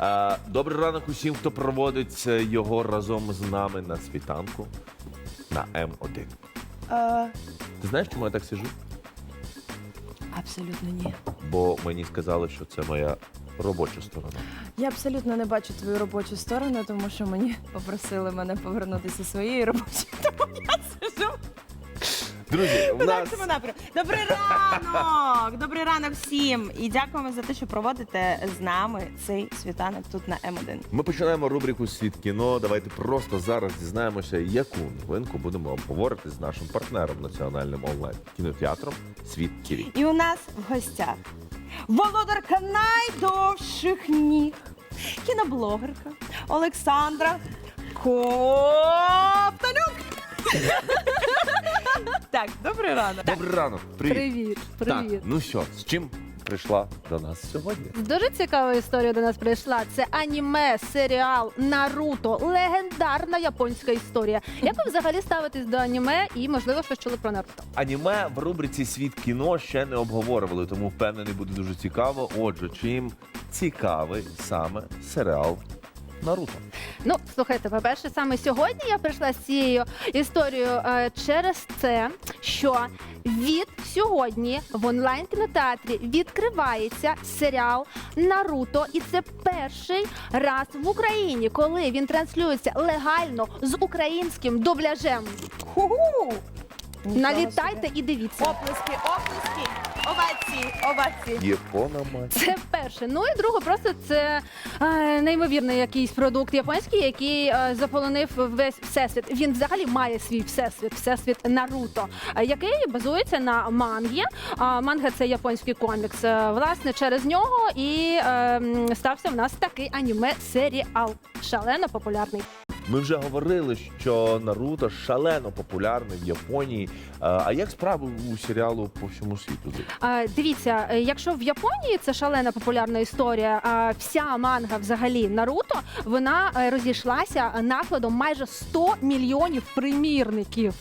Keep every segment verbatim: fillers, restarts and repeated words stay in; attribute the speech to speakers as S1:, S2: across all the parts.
S1: Е, Добрий ранок усім, хто проводить його разом з нами на світанку на М один.
S2: Е,
S1: Ти знаєш, чому я так сиджу?
S2: Абсолютно ні.
S1: Бо мені сказали, що це моя робоча сторона.
S2: Я абсолютно не бачу твою робочу сторону, тому що мені попросили мене повернутися своєї робочої, тому я сижу.
S1: Друзі, в
S2: в
S1: нас...
S2: нашому напрямку. Добрий ранок! Добрий ранок всім! І дякуємо за те, що проводите з нами цей світанок тут на М один.
S1: Ми починаємо рубрику «Світ кіно». Давайте просто зараз дізнаємося, яку новинку будемо обговорити з нашим партнером національним онлайн-кінотеатром «Світ ТІВІ».
S2: І у нас в гостях володарка найдовших ніг, кіноблогерка Олександра Ковтонюк. Так, добрий ранок.
S1: Добрий ранок! Привіт!
S3: Привіт, привіт.
S1: Так, ну що, з чим прийшла до нас сьогодні?
S3: Дуже цікава історія до нас прийшла. Це аніме, серіал Наруто. Легендарна японська історія. Як ви взагалі ставитесь до аніме і, можливо, щось чули про Наруто?
S1: Аніме в рубриці «Світ кіно» ще не обговорювали, тому впевнений, буде дуже цікаво. Отже, чим цікавий саме серіал Наруто?
S3: Ну, слухайте, по-перше, саме сьогодні я прийшла з цією історією е, через це, що від сьогодні в онлайн-кінотеатрі відкривається серіал Наруто. І це перший раз в Україні, коли він транслюється легально з українським дубляжем.
S2: Ху-ху!
S3: Налітайте і дивіться.
S2: Оплески, оплески, овації, овації.
S1: Япона мать.
S3: Це перше. Ну і друге, просто це е, неймовірний якийсь продукт японський, який е, заполонив весь всесвіт. Він взагалі має свій всесвіт, всесвіт Наруто, е, який базується на мангі. А манга – це японський комікс. Е, власне, через нього і е, м, стався в нас такий аніме-серіал. Шалено популярний.
S1: Ми вже говорили, що Наруто шалено популярний в Японії. А а як справи у серіалу по всьому світу?
S3: А, Дивіться, е, якщо в Японії це шалена популярна історія, а вся манга взагалі Наруто, вона е, розійшлася накладом майже сто мільйонів примірників.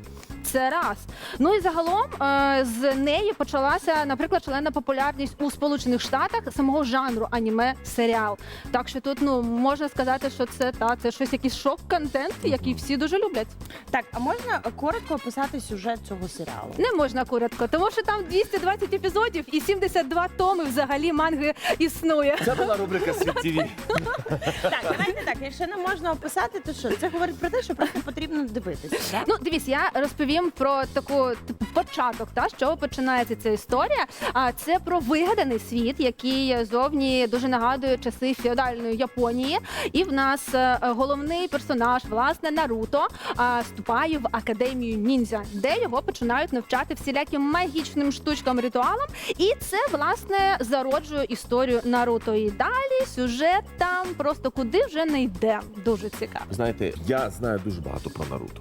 S3: Це раз. Ну і загалом е, з неї почалася, наприклад, шалена популярність у Сполучених Штатах самого жанру аніме-серіал. Так що тут, ну, можна сказати, що це та це щось якийсь шок-контент, який всі дуже люблять.
S2: Так, а можна коротко описати сюжет цього серіалу?
S3: Не можна коротко, тому що там двісті двадцять епізодів і сімдесят два томи взагалі манги існує.
S1: Це була рубрика «Світ ТІВІ».
S2: Так, давайте так, якщо не можна описати, то що? Це говорить про те, що просто потрібно дивитися, так?
S3: Ну, дивіться, я розповім про таку типу початок, та з чого починається ця історія. А це про вигаданий світ, який зовні дуже нагадує часи феодальної Японії. І в нас е, головний персонаж, власне, Наруто, а, вступає в академію ніндзя, де його починають навчати всіляким магічним штучкам, ритуалам. І це, власне, зароджує історію Наруто. І далі сюжет там просто куди вже не йде. Дуже цікаво.
S1: Знаєте, я знаю дуже багато про Наруто,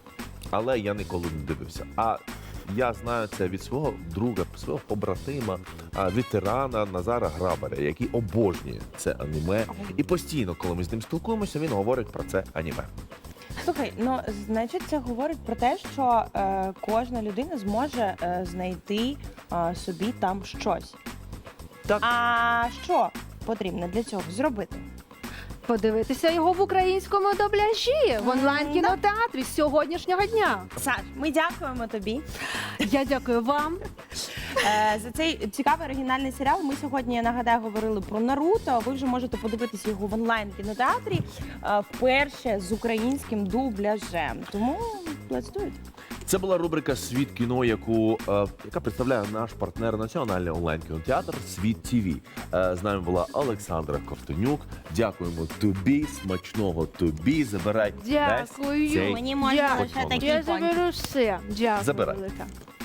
S1: але я ніколи не дивився. А я знаю це від свого друга, свого побратима, а, ветерана Назара Грабаря, який обожнює це аніме. І постійно, коли ми з ним спілкуємося, він говорить про це аніме.
S2: Слухай, ну, значить, це говорить про те, що е, кожна людина зможе е, знайти е, собі там щось.
S1: Так.
S2: А що потрібно для цього зробити?
S3: Подивитися його в українському дубляжі в онлайн-кінотеатрі з сьогоднішнього дня.
S2: Саш, ми дякуємо тобі
S3: Я дякую вам.
S2: е, за цей цікавий оригінальний серіал. Ми сьогодні, я нагадаю, говорили про Наруто. Ви вже можете подивитися його в онлайн-кінотеатрі е, вперше з українським дубляжем. Тому let's do it.
S1: Це була рубрика «Світ кіно», яку, е, яка представляє наш партнер національний онлайн-кінотеатр «Світ ТІВІ». Е, з нами була Олександра Ковтонюк. Дякуємо тобі, смачного тобі. Забирай
S3: Дякую.
S1: весь цей
S2: Мені можна
S1: лише
S3: Я
S1: такі
S3: заберу все. Дякую.
S1: Забирай.
S3: велика.